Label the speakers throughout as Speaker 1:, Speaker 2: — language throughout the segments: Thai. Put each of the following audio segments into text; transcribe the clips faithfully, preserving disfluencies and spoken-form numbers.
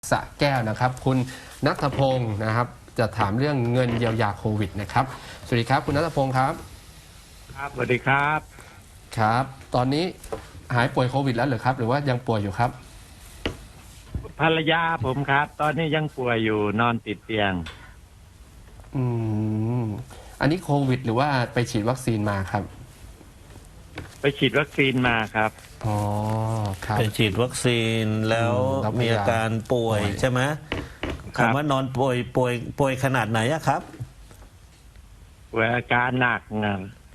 Speaker 1: สระแก้วนะครับคุณณัฐพงศ์นะครับจะถามเรื่องเงินเยียวยาโควิดนะครับสวัสดีครับคุณณัฐพงศ์ครับ
Speaker 2: ครับสวัสดีครับ
Speaker 1: ครับตอนนี้หายป่วยโควิดแล้วหรือครับหรือว่ายังป่วยอยู่ครับ
Speaker 2: ภรรยาผมครับตอนนี้ยังป่วยอยู่นอนติดเตียง
Speaker 1: อืมอันนี้โควิดหรือว่าไปฉีดวัคซีนมาครับ
Speaker 2: ไปฉีดวัคซีนมาครับ
Speaker 1: อ๋อครับ
Speaker 3: ไปฉีดวัคซีนแล้วมีอาการป่วยใช่ไหมคำว่านอนป่วยป่วยป่วยขนาดไหนอะครับ
Speaker 2: ป่วยอาการหนักนะ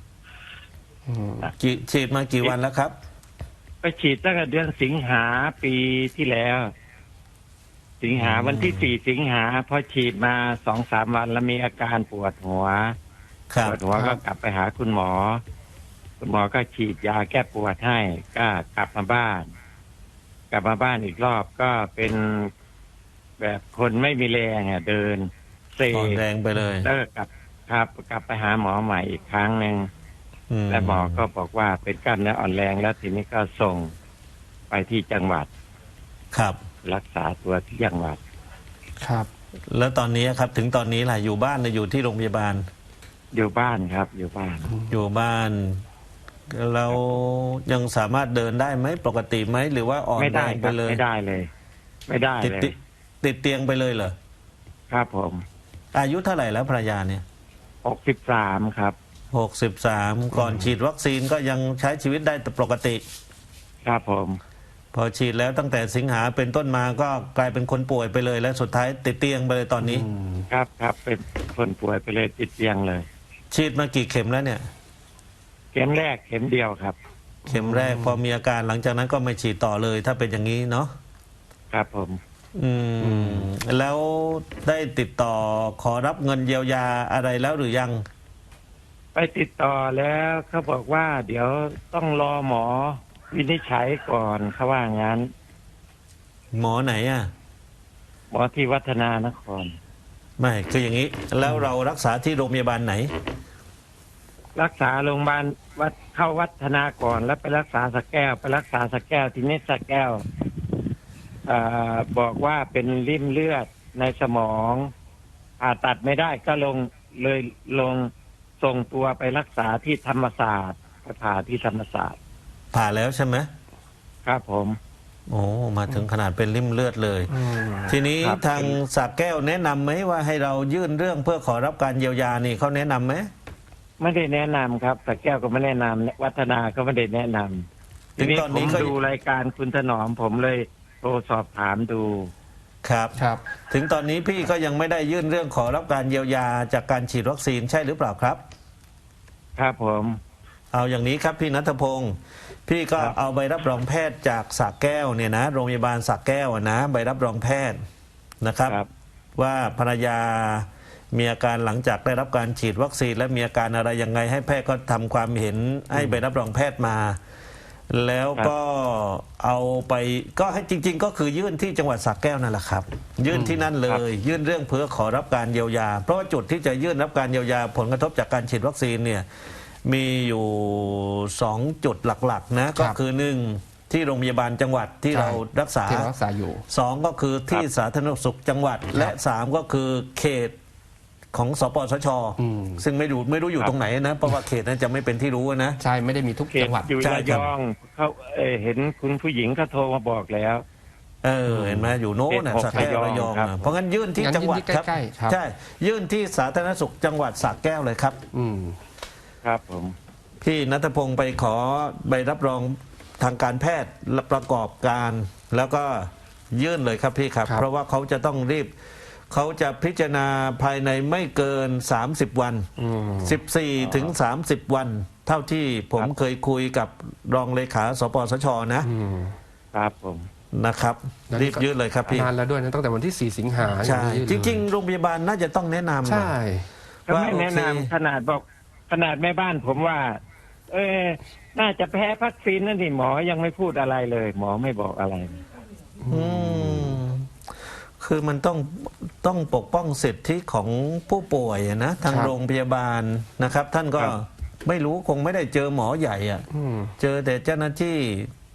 Speaker 3: ฉีดมากี่วันแล้วครับ
Speaker 2: ไปฉีดตั้งแต่เดือนสิงหาปีที่แล้ว สิงหาวันที่สี่สิงหาพอฉีดมาสองสามวันแล้วมีอาการปวดหัวปวดหัวก็กลับไปหาคุณหมอคุณหมอก็ฉีดยาแก้ปวดให้ก็กลับมาบ้าน กลับมาบ้านอีกรอบก็เป็นแบบคนไม่มีแรงอ่ะเดินเซ
Speaker 3: แรงไปเลย
Speaker 2: แล้วกลับครับกลับไปหาหมอใหม่อีกครั้งหนึ่งและหมอก็บอกว่าเป็นกล้ามเนื้ออ่อนแรงแล้วทีนี้ก็ส่งไปที่จังหวัด
Speaker 3: ครับ
Speaker 2: รักษาตัวที่จังหวัด
Speaker 1: ครับ
Speaker 3: แล้วตอนนี้ครับถึงตอนนี้แหละอยู่บ้านหรืออยู่ที่โรงพยาบาล
Speaker 2: อยู่บ้านครับอยู่บ้าน
Speaker 3: อยู่บ้านเรายังสามารถเดินได้ไหมปกติไหมหรือว่าอ่อนแรงไปเลย
Speaker 2: ไม่ได้เลยไม่ได้เลย
Speaker 3: ติดเตียงไปเลยเหรอ
Speaker 2: ครับผม
Speaker 3: อายุเท่าไหร่แล้วภรรยาเนี่ย
Speaker 2: หกสิบสามครับ
Speaker 3: หกสิบสามก่อนฉีดวัคซีนก็ยังใช้ชีวิตได้ปกติ
Speaker 2: ครับผม
Speaker 3: พอฉีดแล้วตั้งแต่สิงหาเป็นต้นมาก็กลายเป็นคนป่วยไปเลยและสุดท้ายติดเตียงไปเลยตอนนี้
Speaker 2: ครับครับเป็นคนป่วยไปเลยติดเตียงเลย
Speaker 3: ฉีดมากี่เข็มแล้วเนี่ย
Speaker 2: เข็มแรกเข็มเดียวครับ
Speaker 3: เข็มแรกพอมีอาการหลังจากนั้นก็ไม่ฉีดต่อเลยถ้าเป็นอย่างนี้เนาะ
Speaker 2: ครับผม
Speaker 3: อืมแล้วได้ติดต่อขอรับเงินเยียวยาอะไรแล้วหรือยัง
Speaker 2: ไปติดต่อแล้วเขาบอกว่าเดี๋ยวต้องรอหมอวินิจฉัยก่อนเขาว่างั้น
Speaker 3: หมอไหนอ่ะ
Speaker 2: หมอที่วัฒนานคร
Speaker 3: ไม่คืออย่างนี้แล้วเรารักษาที่โรงพยาบาลไหน
Speaker 2: รักษาโรงพยาบาลวัดเข้าวัฒนาก่อนแล้วไปรักษาสะแก้วไปรักษาสะแก้วทีนี้สะแก้วอ่าบอกว่าเป็นริ่มเลือดในสมองผ่าตัดไม่ได้ก็ลงเลยลงส่งตัวไปรักษาที่ธรรมศาสตร์ไปผ่าที่ธรรมศาสตร์
Speaker 3: ผ่าแล้วใช่ไหม
Speaker 2: ครับผม
Speaker 3: โอ้มาถึงขนาดเป็นริ่มเลือดเลยทีนี้ทางสระแก้วแนะนำไหมว่าให้เรายื่นเรื่องเพื่อขอรับการเยียวยานี่เขาแนะนำไหม
Speaker 2: ไม่ได้แนะนำครับสระแก้วก็ไม่แนะนำวัฒนาก็ไม่ได้แนะนำทีนี้ผมดูรายการคุณถนอมผมเลยโทรสอบถามดู
Speaker 3: ครับครับถึงตอนนี้พี่ก็ยังไม่ได้ยื่นเรื่องขอรับการเยียวยาจากการฉีดวัคซีนใช่หรือเปล่าครับ
Speaker 2: ครับผม
Speaker 3: เอาอย่างนี้ครับพี่ณัฐพงศ์พี่ก็เอาใบรับรองแพทย์จากสระแก้วเนี่ยนะโรงพยาบาลสระแก้วนะใบรับรองแพทย์นะครับว่าภรรยามีอาการหลังจากได้รับการฉีดวัคซีนและมีอาการอะไรยังไงให้แพทย์ก็ทำความเห็นให้ใบรับรองแพทย์มาแล้วก็เอาไปก็ให้จริงๆก็คือยื่นที่จังหวัดสระแก้วนั่นแหละครับยื่นที่นั่นเลยยื่นเรื่องเพื่อขอรับการเยียวยาเพราะว่าจุดที่จะยื่นรับการเยียวยาผลกระทบจากการฉีดวัคซีนเนี่ยมีอยู่สองจุดหลักๆนะก็คือหนึ่งที่โรงพยาบาลจังหวัดที่เรารักษา
Speaker 1: รักษาอยู่
Speaker 3: สองก็คือที่สาธารณสุขจังหวัดและสามก็คือเขตของสปสชซึ่งไม่รู้ไม่รู้อยู่ตรงไหนนะเพราะว่าเขตนั้นจะไม่เป็นที่รู้นะ
Speaker 1: ใช่ไม่ได้มีทุกจังหวัด
Speaker 2: อยู่ระยองเขาเเห็นคุณผู้หญิงเขาโทรมาบอกแล้ว
Speaker 3: เออเห็นไหมอยู่โน้นสระแก้วระยองเพราะงั้นยื่นที่จังหวัดครับใช่ยื่นที่สาธารณสุขจังหวัดสระแก้วเลยครับ
Speaker 1: อืม
Speaker 2: ครับผม
Speaker 3: พี่ณัฐพงศ์ไปขอใบรับรองทางการแพทย์ประกอบการแล้วก็ยื่นเลยครับพี่ครับเพราะว่าเขาจะต้องรีบเขาจะพิจารณาภายในไม่เกินสามสิบวันสิบสี่ถึงสามสิบวันเท่าที่ผมเคยคุยกับรองเลขาสปสชนะครับ
Speaker 2: ผม
Speaker 3: นะครับรีบยื่นเลยครับพี่
Speaker 1: นานแล้วด้วยนะตั้งแต่วันที่สี่สิงหา
Speaker 3: ใช่จริงๆโรงพยาบาลน่าจะต้องแนะนำ
Speaker 1: ใช่
Speaker 2: ว่าไม่แนะนำขนาดบอกขนาดแม่บ้านผมว่าเออน่าจะแพ้วัคซีนนั่นนี่หมอยังไม่พูดอะไรเลยหมอไม่บอกอะไร
Speaker 3: อืมคือมันต้องต้องปกป้องสิทธิของผู้ป่วยนะทางโรงพยาบาลนะครับท่านก็ไม่รู้คงไม่ได้เจอหมอใหญ่อ่ะเจอแต่เจ้าหน้าที่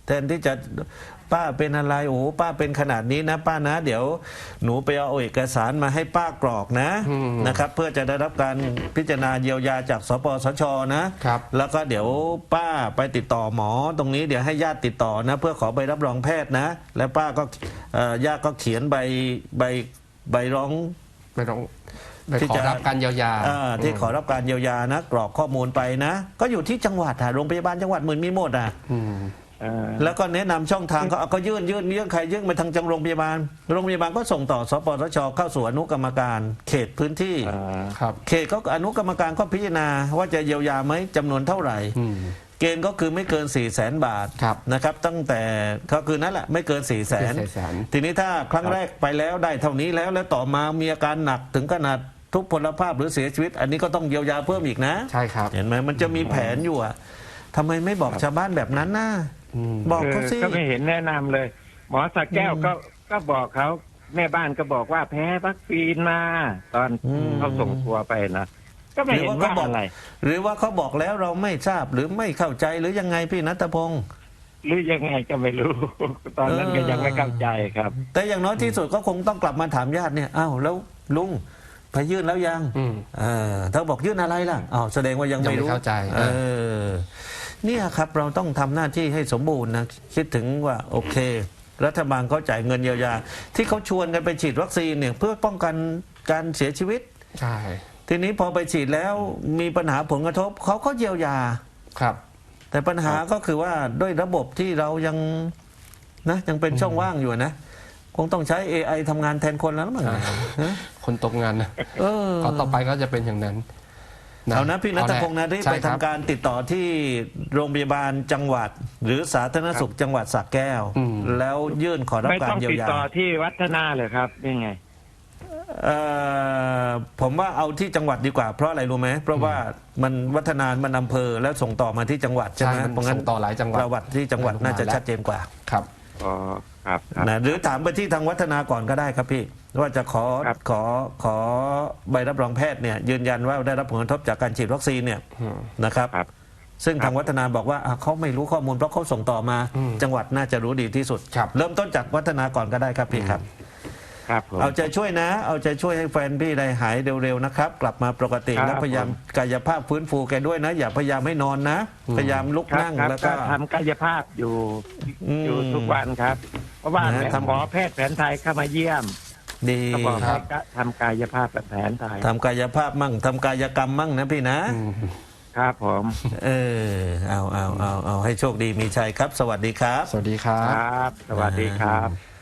Speaker 3: แทนที่จะป้าเป็นอะไรโอ้โหป้าเป็นขนาดนี้นะป้านะ เดี๋ยวหนูไปเอาเอกสารมาให้ป้ากรอกนะ
Speaker 1: อืม
Speaker 3: นะครับ เพื่อจะได้รับการพิจารณาเยียวยาจากสปสชนะครับ แล้วก็เดี๋ยวป้าไปติดต่อหมอตรงนี้เดี๋ยวให้ญาติติดต่อนะ เพื่อขอใบรับรองแพทย์นะ แล้วป้าก็เอ่อญาติก็เขียนใบใบใบร้อง
Speaker 1: ไม่ต้องไป
Speaker 3: ที่
Speaker 1: ขอ
Speaker 3: จะ
Speaker 1: รับการเยียวยา
Speaker 3: อ่าที่ขอรับการเยียวยานะกรอกข้อมูลไปนะ ก็อยู่ที่จังหวัดอะโรงพยาบาลจังหวัดหมื่นมีหมดอ่ะ
Speaker 1: อืม
Speaker 2: เออ
Speaker 3: แล้วก็แนะนำช่องทางเขาเอาก็ยื่นยื่นยื่นใครยื่นไปทางจังโรงพยาบาลโรงพยาบาลก็ส่งต่อสปสชเข้าสู่อนุกรรมการ เขตพื้นที่
Speaker 2: เออ
Speaker 1: ครับ
Speaker 3: เขตก็อนุกรรมการก็พิจารณาว่าจะเยียวยาไหมจำนวนเท่าไหร่
Speaker 1: อืม
Speaker 3: เกณฑ์ก็คือไม่เกิน4ี่แสนบาท
Speaker 1: ครับ
Speaker 3: นะครับ ตั้งแต่ก็คือนั่นแหละไม่เกิน4ี่แสน
Speaker 1: สี่แสน
Speaker 3: ทีนี้ถ้าครั้งแรกไปแล้วได้เท่านี้แล้วแล้วต่อมามีอาการหนักถึงขนาดทุพพลภาพหรือเสียชีวิต อันนี้ก็ต้องเยียวยาเพิ่มอีกนะ
Speaker 1: ใช่ครับ
Speaker 3: เห็นไหมมันจะมีแผนอยู่อะทำไมไม่บอกชาวบ้านแบบนั้นนะ
Speaker 1: อืม
Speaker 3: บอกเขาสิ
Speaker 2: ก็ไม่เห็นแนะนำเลย หมอสักแก้วก็ก็บอกเขาแม่บ้านก็บอกว่าแพ้วัคซีนมาตอน
Speaker 3: อืม
Speaker 2: เขาส่งตัวไปนะก็ไม่เห็นว่าอะไร
Speaker 3: หรือว่าเขาบอกแล้วเราไม่ทราบหรือไม่เข้าใจหรือยังไงพี่นัทพงศ์
Speaker 2: หรือยังไงก็ไม่รู้ ตอนนั้นก็ยังไม่เข้าใจครับ
Speaker 3: แต่อย่างน้อยที่สุดก็คงต้องกลับมาถามญาติเนี่ยอ้าวแล้วลุงไปยื่นแล้วยัง
Speaker 1: อืม
Speaker 3: เออถ้าบอกยื่นอะไรล่ะอ้าวแสดงว่ายังไม่
Speaker 1: ยังไม่
Speaker 3: รู้
Speaker 1: เข้าใจ
Speaker 3: เออเนี่ยครับเราต้องทำหน้าที่ให้สมบูรณ์นะคิดถึงว่าโอเค รัฐบาลเขาจ่ายเงินเยียวยา ที่เขาชวนกันไปฉีดวัคซีนเนี่ยเพื่อป้องกันการเสียชีวิต
Speaker 1: ใช่
Speaker 3: ทีนี้พอไปฉีดแล้วมีปัญหาผลกระทบเขาก็เยียวยา
Speaker 1: ครับ
Speaker 3: แต่ปัญหาก็คือว่าด้วยระบบที่เรายังนะยังเป็นช่องว่างอยู่นะ คงต้องใช้ เอ ไอ ทำงานแทนคนแล้วมั้ง
Speaker 1: ใช่
Speaker 3: ฮะ
Speaker 1: คนตกงานนะ
Speaker 3: เออ
Speaker 1: ก็ต่อไปก็จะเป็นอย่างนั้น
Speaker 3: เอานะพี่นัทพงศ์นะที่
Speaker 1: ใช่
Speaker 3: ไป
Speaker 1: ค
Speaker 3: ทำ
Speaker 1: รับ
Speaker 3: การติดต่อที่โรงพยาบาลจังหวัด หรือสาธารณสุขจังหวัดสระแก้ว
Speaker 1: อืม
Speaker 3: แล้วยื่นขอรับ
Speaker 2: ไม่
Speaker 3: การ
Speaker 2: ต้อง
Speaker 3: เยีย
Speaker 2: ติ
Speaker 3: ว
Speaker 2: ด
Speaker 3: ยา
Speaker 2: ต่อที่วัฒนาเลยครับนี่ไง
Speaker 3: เอ่อผมว่าเอาที่จังหวัดดีกว่า เพราะอะไรรู้ไหมเพราะว่ามันวัฒนานมันอำเภอแล้วส่งต่อมาที่จังหวัดใช่ไหม
Speaker 1: ใช่มัน
Speaker 3: เพราะงั้น
Speaker 1: ส่งต่อหลายจังหวัด
Speaker 3: ประวัติที่จังหวัดน่าจะชัดเจนกว่า
Speaker 1: ครับ
Speaker 2: อ๋อครับครับ
Speaker 3: นะหรือถามไปที่ทางวัฒนาก่อนก็ได้ครับพี่ ว่าจะขอ
Speaker 2: ครับ
Speaker 3: ขอขอใบรับรองแพทย์เนี่ยยืนยันว่าได้รับผลกระทบจากการฉีดวัคซีนเนี่ย
Speaker 1: อืม
Speaker 3: นะครับ
Speaker 2: ครับ
Speaker 3: ซึ่ง
Speaker 2: ครับ
Speaker 3: ทางวัฒนาบอกว่าอ่ะเขาไม่รู้ข้อมูลเพราะเขาส่งต่อมา
Speaker 1: อืม
Speaker 3: จังหวัดน่าจะรู้ดีที่สุด
Speaker 1: ครับ
Speaker 3: เริ่มต้นจากวัฒนาก่อนก็ได้ครับพี่ครับ
Speaker 2: ครับผม
Speaker 3: เอาใจช่วยนะ เอาใจช่วยให้แฟนพี่ได้หายเร็วๆนะครับ กลับมาปกติ
Speaker 2: ครับ
Speaker 3: แล้วพยายามกายภาพฟื้นฟูแกด้วยนะ อย่าพยายามให้นอนนะ
Speaker 1: อืม
Speaker 3: พยายามลุก
Speaker 2: ครับ
Speaker 3: นั่ง
Speaker 2: ครับ
Speaker 3: แล้ว
Speaker 2: ก็
Speaker 3: ก็
Speaker 2: ทำกายภาพอยู่
Speaker 3: อืม
Speaker 2: อยู่ทุกวันครับ เพราะว่า
Speaker 3: นะทำ
Speaker 2: หมอแพทย์แผนไทยเข้ามาเยี่ยม
Speaker 3: ดี
Speaker 2: ก็บอก
Speaker 1: ครั
Speaker 2: ให้
Speaker 1: บ
Speaker 2: ก็ทำกายภาพแบบแผนไทย
Speaker 3: ทำกายภาพมั่งทำกายกรรมมั่งนะพี่นะ
Speaker 1: อืม
Speaker 2: ครับผม
Speaker 3: เออเอาเอาเอาเอาให้โชคดีมีชัยครับ สวัสดีครับ
Speaker 1: สวัสดีครั
Speaker 2: ค
Speaker 1: บ
Speaker 2: รับ สวัสดีครับ